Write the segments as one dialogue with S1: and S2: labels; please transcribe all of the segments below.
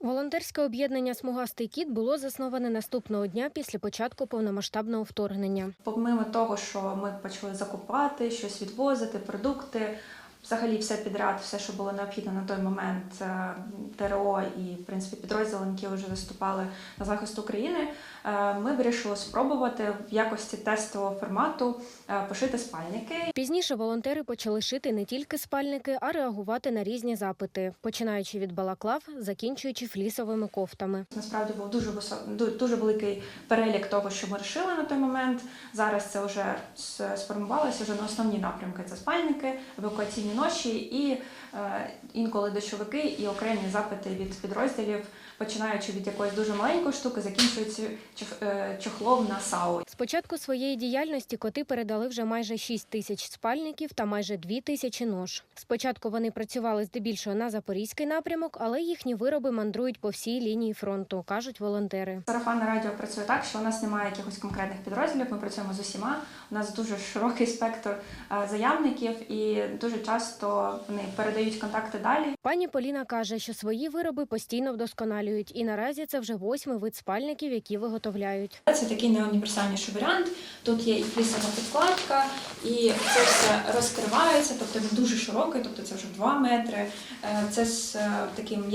S1: Волонтерське об'єднання «Смугастий кіт» було засноване наступного дня після початку повномасштабного вторгнення.
S2: Помимо того, що ми почали закупати, щось відвозити, продукти, взагалі все підряд, все, що було необхідно на той момент, ТРО і, в принципі, підрозділи, які вже виступали на захист України, ми вирішили спробувати в якості тестового формату пошити спальники.
S1: Пізніше волонтери почали шити не тільки спальники, а реагувати на різні запити, починаючи від балаклав, закінчуючи флісовими кофтами.
S2: Насправді був дуже великий перелік того, що ми вирішили на той момент. Зараз це вже сформувалося вже на основні напрямки. Це спальники, евакуаційні ноші і інколи дощовики і окремі запити від підрозділів, починаючи від якоїсь дуже маленької штуки, закінчуючи чохлом на САУ.
S1: З початку своєї діяльності коти передали вже майже 6 тисяч спальників та майже 2 тисячі нож. Спочатку вони працювали здебільшого на Запорізький напрямок, але їхні вироби мандрують по всій лінії фронту, кажуть волонтери.
S2: Сарафанне радіо працює так, що у нас немає якихось конкретних підрозділів, ми працюємо з усіма. У нас дуже широкий спектр заявників і дуже часто вони передають контакти далі.
S1: Пані Поліна каже, що свої вироби постійно вдосконалюють, і наразі це вже 8-й вид спальників, які виготовляють.
S2: Це такий найуніверсальніший варіант. Тут є і флісова підкладка, і це все розкривається, тобто він дуже широкий, тобто це вже 2 метри. Це з таким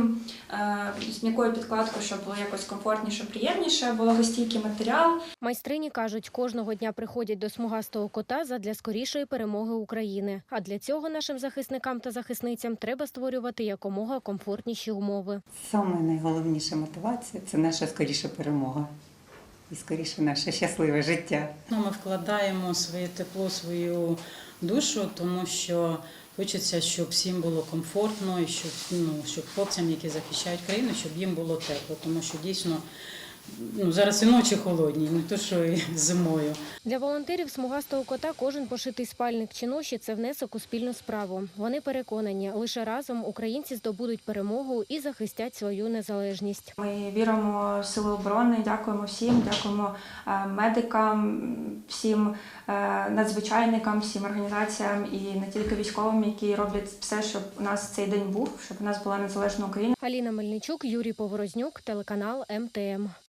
S2: з м'якою підкладкою, щоб було якось комфортніше, приємніше, вологостійкий матеріал.
S1: Майстрині кажуть, кожного дня приходять до смугастого кота задля скорішої перемоги України. А для цього нашим захисникам та захисницям треба створювати якомога комфортніші умови.
S3: Саме найголовніша мотивація – це наша скоріша перемога і скоріше наше щасливе життя.
S4: Ми вкладаємо своє тепло, свою душу, тому що хочеться, щоб всім було комфортно і щоб хлопцям, які захищають країну, щоб їм було тепло, тому що дійсно зараз і ночі холодні, не то що і зимою.
S1: Для волонтерів смугастого кота кожен пошитий спальник чи ноші – це внесок у спільну справу. Вони переконані, лише разом українці здобудуть перемогу і захистять свою незалежність.
S2: Ми віримо в Сили оборони, дякуємо всім, дякуємо медикам, всім надзвичайникам, всім організаціям і не тільки військовим, які роблять все, щоб у нас цей день був, щоб у нас була незалежна Україна.
S1: Аліна Мельничук, Юрій Поворознюк, телеканал МТМ.